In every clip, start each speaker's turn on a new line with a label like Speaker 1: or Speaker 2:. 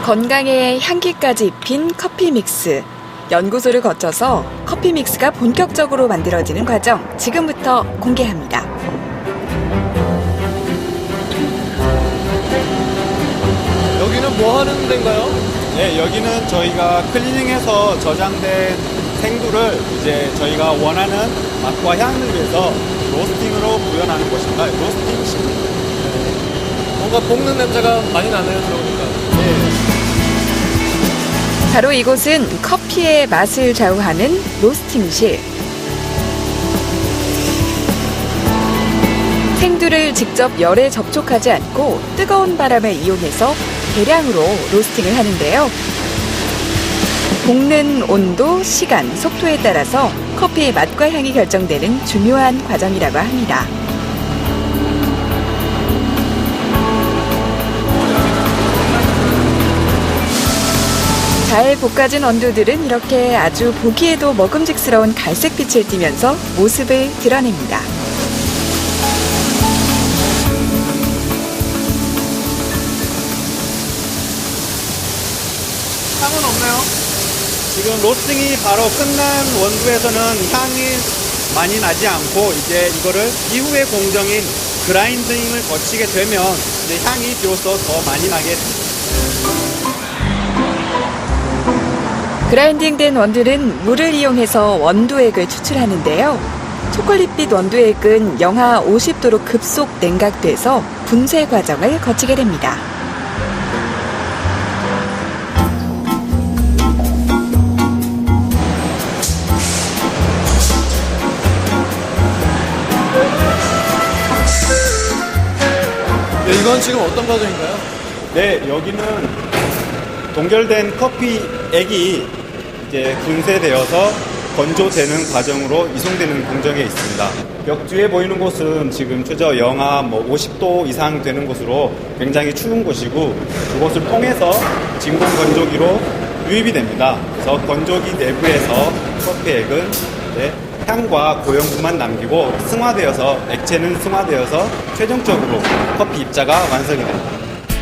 Speaker 1: 건강에 향기까지 입힌 커피 믹스. 연구소를 거쳐서 커피 믹스가 본격적으로 만들어지는 과정 지금부터 공개합니다.
Speaker 2: 여기는 뭐 하는 데인가요?
Speaker 3: 네, 여기는 저희가 클리닝해서 저장된 생두를 이제 저희가 원하는 맛과 향을 위해서 로스팅으로 구현하는 것입니다. 로스팅식.
Speaker 2: 뭔가 볶는 냄새가 많이 나네요, 들어보니까.
Speaker 3: 네.
Speaker 1: 바로 이곳은 커피의 맛을 좌우하는 로스팅실. 생두를 직접 열에 접촉하지 않고 뜨거운 바람을 이용해서 대량으로 로스팅을 하는데요. 볶는 온도, 시간, 속도에 따라서 커피의 맛과 향이 결정되는 중요한 과정이라고 합니다. 잘 볶아진 원두들은 이렇게 아주 보기에도 먹음직스러운 갈색빛을 띠면서 모습을 드러냅니다.
Speaker 2: 향은 없네요.
Speaker 3: 지금 로스팅이 바로 끝난 원두에서는 향이 많이 나지 않고 이제 이거를 이후의 공정인 그라인딩을 거치게 되면 이제 향이 비로소 더 많이 나게 됩니다.
Speaker 1: 그라인딩된 원두는 물을 이용해서 원두액을 추출하는데요. 초콜릿빛 원두액은 영하 50도로 급속 냉각돼서 분쇄 과정을 거치게 됩니다.
Speaker 2: 네, 이건 지금 어떤 과정인가요?
Speaker 3: 네, 여기는 동결된 커피액이 이제 분쇄되어서 건조되는 과정으로 이송되는 공정에 있습니다. 벽 뒤에 보이는 곳은 지금 최저 영하 50도 이상 되는 곳으로 굉장히 추운 곳이고 그곳을 통해서 진공 건조기로 유입이 됩니다. 그래서 건조기 내부에서 커피액은 이제 향과 고형분만 남기고 승화되어서 액체는 승화되어서 최종적으로 커피 입자가 완성이 됩니다.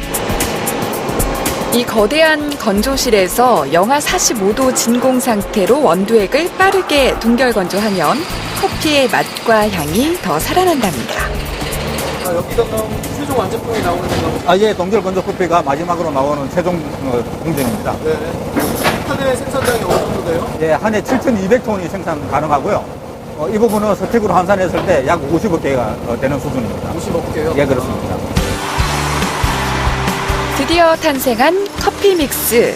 Speaker 1: 이 거대한 건조실에서 영하 45도 진공 상태로 원두액을 빠르게 동결 건조하면 커피의 맛과 향이 더 살아난답니다.
Speaker 2: 여기가 그럼 최종 완제품이 나오는 건가요?
Speaker 4: 예, 동결 건조 커피가 마지막으로 나오는 최종 공정입니다.
Speaker 2: 네. 한 해 생산량이 어느 정도 돼요?
Speaker 4: 예, 한 해 7,200톤이 생산 가능하고요. 이 부분은 스틱으로 환산했을 때 약 50억 개가 되는 수준입니다.
Speaker 2: 50억 개요?
Speaker 4: 예, 그렇습니다.
Speaker 1: 드디어 탄생한 커피 믹스.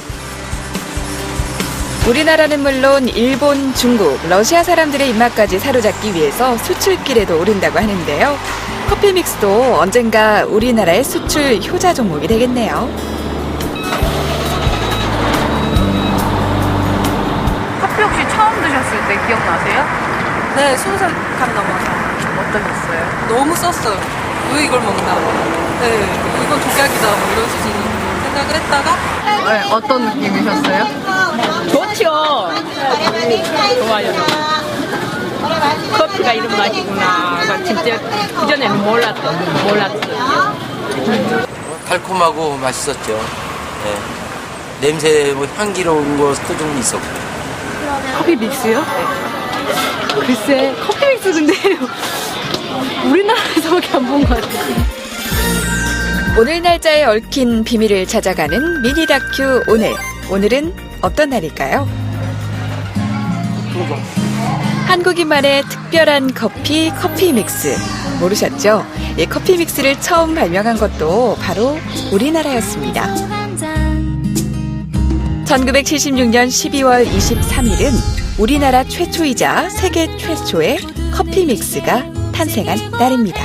Speaker 1: 우리나라는 물론 일본, 중국, 러시아 사람들의 입맛까지 사로잡기 위해서 수출길에도 오른다고 하는데요. 커피 믹스도 언젠가 우리나라의 수출 효자 종목이 되겠네요.
Speaker 5: 커피 혹시 처음 드셨을 때 기억나세요?
Speaker 6: 네, 20살 간 넘어서.
Speaker 5: 어떠셨어요?
Speaker 6: 너무 썼어요. 왜 이걸 먹나. 네, 이건 독약이다, 뭐 이런 수준 생각을 했다가.
Speaker 5: 네, 어떤 느낌이셨어요?
Speaker 7: 좋죠. 좋아요. 커피가 이런 맛이구나. 진짜 그전에는 몰랐어요.
Speaker 8: 달콤하고 맛있었죠. 네. 냄새, 향기로운 것도 좀 있었고.
Speaker 5: 커피 믹스요? 글쎄, 커피 믹스 근데 우리나라에서밖에 안 본 것 같아요.
Speaker 1: 오늘 날짜에 얽힌 비밀을 찾아가는 미니 다큐 오늘. 오늘은 어떤 날일까요? 한국인만의 특별한 커피 믹스. 모르셨죠? 이 커피 믹스를 처음 발명한 것도 바로 우리나라였습니다. 1976년 12월 23일은 우리나라 최초이자 세계 최초의 커피 믹스가 탄생한 날입니다.